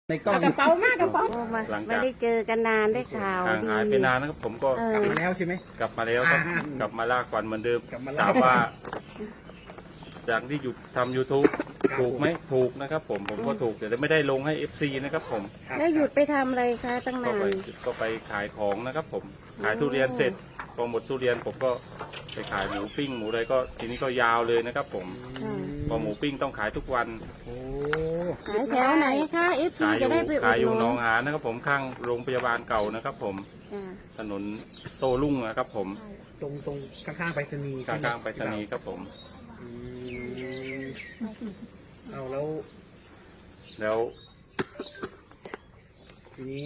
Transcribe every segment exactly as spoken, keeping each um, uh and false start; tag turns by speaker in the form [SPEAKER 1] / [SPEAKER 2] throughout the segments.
[SPEAKER 1] ในกล้อง
[SPEAKER 2] กระเป๋ามากกระเป๋า
[SPEAKER 3] โอ้มา
[SPEAKER 4] หลังจาก
[SPEAKER 3] ไม่ได้เจอกันนานได้ข่าว
[SPEAKER 4] ห่าง
[SPEAKER 3] ดี
[SPEAKER 4] หายไปนานนะครับผมก็
[SPEAKER 3] เอก
[SPEAKER 1] ลับ
[SPEAKER 3] อ
[SPEAKER 1] มาแล้วใช่ไหม
[SPEAKER 4] กลับมาแล้วครับ
[SPEAKER 1] อ่า
[SPEAKER 4] กลับมาลากก่อนเหมือนเดิม
[SPEAKER 1] กลับมาลาก
[SPEAKER 4] ถามว่า จากที่หยุดทำ YouTube
[SPEAKER 1] ครับ
[SPEAKER 4] ถูกไหมถูกนะครับผมผมก็ถูกแต่ไม่ได้ลงให้ เอฟ ซี นะครับผม
[SPEAKER 1] ครับ
[SPEAKER 3] แล้วหยุดไปทำอะไรคะตั้ง
[SPEAKER 4] ก็
[SPEAKER 3] นา
[SPEAKER 4] ไป
[SPEAKER 3] น
[SPEAKER 4] ก็ไปขายของนะครับผมขาย
[SPEAKER 3] โอ้
[SPEAKER 4] ทุเรียนเสร็จพอหมดทุเรียนผมก็ไปขายหมูปิ้งหมูอะไรก็ทีนี้ก็ยาวเลยนะครับผม
[SPEAKER 3] ค่ะ
[SPEAKER 4] พอหมูปิ้งต้องขายทุกวัน
[SPEAKER 1] โอ้
[SPEAKER 3] ขายแถวไหนคะเอฟซี
[SPEAKER 4] ขายอ
[SPEAKER 3] จะ
[SPEAKER 4] ยู่
[SPEAKER 3] ได้ไปอุ
[SPEAKER 4] ขาย
[SPEAKER 3] ด
[SPEAKER 4] อ
[SPEAKER 3] ห
[SPEAKER 4] ยู่
[SPEAKER 3] นุ
[SPEAKER 4] หน
[SPEAKER 3] น
[SPEAKER 4] องหานนะครับผมข้างโรงพยาบาลเก่านะครับผม
[SPEAKER 3] จ้ะ
[SPEAKER 4] ถนนโต้รุ่งนะครับผม
[SPEAKER 1] ตรงตรงข้างๆไปรษณีย์
[SPEAKER 4] ข้างๆไปรษณีย์ครับผม
[SPEAKER 1] อืมเอาแล้ว
[SPEAKER 4] แล้ว
[SPEAKER 1] ทีนี้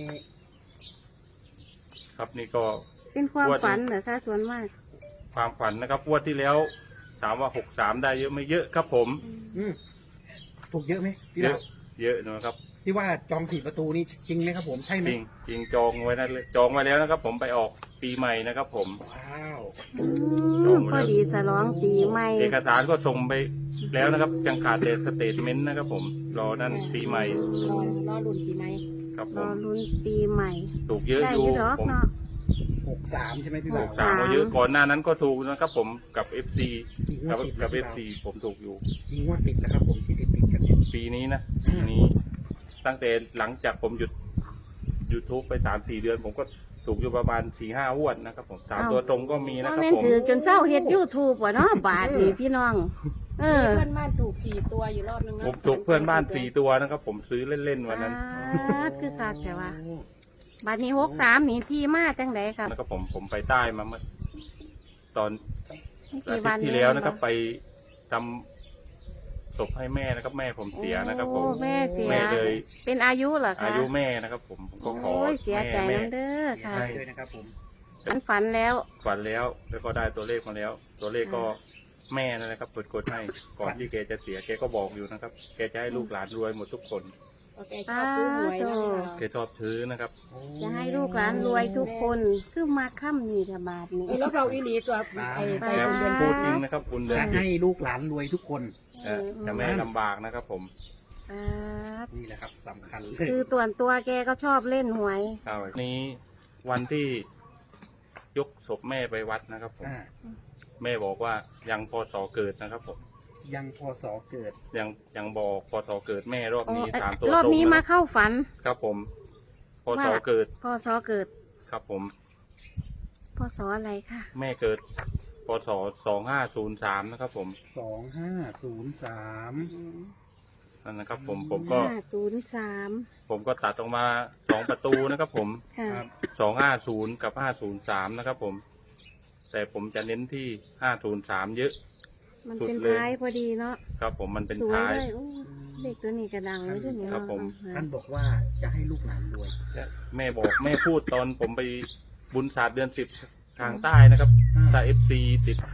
[SPEAKER 4] ครับนี่ก็
[SPEAKER 3] เป็นความ
[SPEAKER 4] งวด
[SPEAKER 3] ฝันเหรอคะส่วนมาก
[SPEAKER 4] ความฝันนะครับงวดที่แล้วถามว่าหกสามได้เยอะไม่เยอะครับผม
[SPEAKER 1] อืมถูกเยอะไหมพี่
[SPEAKER 4] เย
[SPEAKER 1] ดา
[SPEAKER 4] อะ
[SPEAKER 1] ว
[SPEAKER 4] เยอะนะครับ
[SPEAKER 1] ที่ว่าจองสี่ประตูนี่จริงไหมครับผมใช่ไหม
[SPEAKER 4] จริงจริงจองไว้นั่นเลยจองไว้แล้วนะครับ ผมไปออกปีใหม่นะครับ ผม
[SPEAKER 1] ว้าว
[SPEAKER 3] อื
[SPEAKER 4] จอ
[SPEAKER 3] ม
[SPEAKER 4] งไว้
[SPEAKER 3] พ
[SPEAKER 4] แล้
[SPEAKER 3] อ
[SPEAKER 4] ว
[SPEAKER 3] ดีฉลองปีใหม่
[SPEAKER 4] เอกสารก็ส่งไปแล้วนะครับยังขาดแต่สเตทเมนต์นะครับ ผมรอนั่นปีใหม่
[SPEAKER 2] รอรอรุ่นปีใหม่
[SPEAKER 4] ครับผ
[SPEAKER 3] รอ
[SPEAKER 4] ม
[SPEAKER 3] ลุ้นปีใหม่
[SPEAKER 4] ถูกเยอะ
[SPEAKER 3] ได้
[SPEAKER 4] อ
[SPEAKER 3] อยู่ ยู่ดอก
[SPEAKER 4] ผม
[SPEAKER 3] เนาะ
[SPEAKER 1] หกสามใช่ไหมพี่
[SPEAKER 4] ห
[SPEAKER 1] บ่าว
[SPEAKER 4] กสามก็เยอะก่อนหน้านั้นก็ถูกนะครับ ผมกับ เอฟ ซี
[SPEAKER 1] อีกงว
[SPEAKER 4] กั
[SPEAKER 1] ด
[SPEAKER 4] บ
[SPEAKER 1] ติด
[SPEAKER 4] กับ
[SPEAKER 1] นะ
[SPEAKER 4] เอ
[SPEAKER 1] พี่
[SPEAKER 4] ฟ
[SPEAKER 1] บ่าว
[SPEAKER 4] ซีผมถูกอยู่
[SPEAKER 1] อีกงวดติดนะครับผมที่ติดติดๆกันเนี่ย
[SPEAKER 4] ปีนี้นะ
[SPEAKER 1] อืม
[SPEAKER 4] ปีนี้ ตั้งแต่หลังจากผมหยุด YouTube ไปสามสี่เดือน ผมก็ถูกอยู่ประมาณสี่ห้างวดนะครับ ผมสามตัวตรงก็มีนะ
[SPEAKER 3] ว่า
[SPEAKER 4] ครับ
[SPEAKER 3] แม่น
[SPEAKER 4] ผม
[SPEAKER 3] ถือจนเศร้าเฮ็ดยูทูบว่ะเนาะบาทนี่พี่น้อง เออ
[SPEAKER 2] เพื่อนบ้านถูกสี่ตัวอยู่รอบนึงนะ
[SPEAKER 4] ผมถูกเพื่อนบ้านสี่ตัวนะครับ ผมซื้อเล่นๆวันนั้น
[SPEAKER 3] บาทคือคักแต่ว่าบาทนี้หกสามนี่ที่มาจังไดครับ
[SPEAKER 4] นะครับผมผมไปใต้มาเมื่อตอนอา
[SPEAKER 3] กี่
[SPEAKER 4] ทิต
[SPEAKER 3] วัน
[SPEAKER 4] ย์ที่แล้วนะครับ ไปทำศพให้แม่นะครับ แม่ผมเสียนะครับ ผม
[SPEAKER 3] โอ้แม่เสีย
[SPEAKER 4] แม่เลย
[SPEAKER 3] เป็นอายุเหรอคะ
[SPEAKER 4] อายุแม่นะครับ ผมผมก็ขอ
[SPEAKER 3] โอ้ยเสียใจ
[SPEAKER 4] แม่
[SPEAKER 3] น้ำเด้อค่ะ
[SPEAKER 1] ได้เลยนะครับผม
[SPEAKER 3] ฉันฝันแล้ว
[SPEAKER 4] ฝันแล้วแล้วก็ได้ตัวเลขมาแล้ว ตัวเลขก็
[SPEAKER 3] อ่
[SPEAKER 4] แม่นั่นนะครับกดกดให้ก่อนที่แกจะเสียแกก็บอกอยู่นะครับ แกจะให้ลูกหลานรวยหมดทุกคน
[SPEAKER 2] โอเคชอบซื้อหวยนะ
[SPEAKER 4] แกชอบซื้อนะครับ
[SPEAKER 3] จะให้ลูกหลานรวยทุกคนคือมาค่ำนี่ค่ะบาทนี้
[SPEAKER 2] เออแล้วเราอีหลีตัวไปไป
[SPEAKER 4] แล้ว
[SPEAKER 2] เดือน
[SPEAKER 4] พูดจริงนะครับคุณเดือน
[SPEAKER 1] จะ
[SPEAKER 4] สิบ
[SPEAKER 1] ให้ลูกหลานรวยทุกคน
[SPEAKER 4] เออจะไม่ให้ลำบากนะครับ ผม
[SPEAKER 3] บาท
[SPEAKER 1] นี่แหละครับสำคัญเลย
[SPEAKER 3] คือตัวนตัวแกก็ชอบเล่นหวย
[SPEAKER 4] ครับนี้วันที่ยกศพแม่ไปวัดนะครับ ผม
[SPEAKER 1] อ่า
[SPEAKER 4] แม่บอกว่ายังพศเกิดนะครับ ผม
[SPEAKER 1] ยังพศเกิด
[SPEAKER 4] ยังยังบอกพศเกิดแม่รอบ
[SPEAKER 3] อ๋อ
[SPEAKER 4] นี้
[SPEAKER 3] เอ้ย
[SPEAKER 4] ถามตัว
[SPEAKER 3] รอบ
[SPEAKER 4] ตรง
[SPEAKER 3] นี้
[SPEAKER 4] นะ
[SPEAKER 3] มาเข้าฝัน
[SPEAKER 4] ครับผมพศ
[SPEAKER 3] ว่า
[SPEAKER 4] เกิด
[SPEAKER 3] พ่อซอเกิด
[SPEAKER 4] ครับผม
[SPEAKER 3] พ่อซออะไรคะ
[SPEAKER 4] แม่เกิดพศสองห้าศูนย์สามนะครับ ผม
[SPEAKER 1] สองห้าศูนย์สาม
[SPEAKER 4] นั่นนะครับ ผมผมก็
[SPEAKER 3] ห้าศูนย์สาม
[SPEAKER 4] ผมก็ตัดออกมาสองประตูนะครับ ผม
[SPEAKER 3] ค่ะ
[SPEAKER 1] ครับ
[SPEAKER 4] สองห้าศูนย์กับห้าศูนย์สามนะครับ ผม แต่ผมจะเน้นที่ห้าศูนย์สามเยอะ
[SPEAKER 3] มัน
[SPEAKER 4] สุด
[SPEAKER 3] เป็น
[SPEAKER 4] เลย
[SPEAKER 3] ท้ายพอดีเนาะ
[SPEAKER 4] ครับ ผมมันเป็น
[SPEAKER 3] สวย
[SPEAKER 4] ท้าย
[SPEAKER 3] เลยโอ้เด็กตัวนี้กระดังเลยด้วยเนี่ย
[SPEAKER 4] ครับผม
[SPEAKER 1] ท่านบอกว่าจะให้ลูกหลานรวย
[SPEAKER 4] แม่บอกแม่พูดตอนผมไปบุญศาสตร์เดือนสิบทางใต้นะครับถ้าเอฟซีติดผม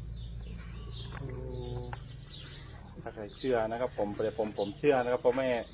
[SPEAKER 1] โอ้
[SPEAKER 4] ถ้าใครเชื่อนะครับ ผมแต่ผมผมเชื่อนะครับเพราะแม่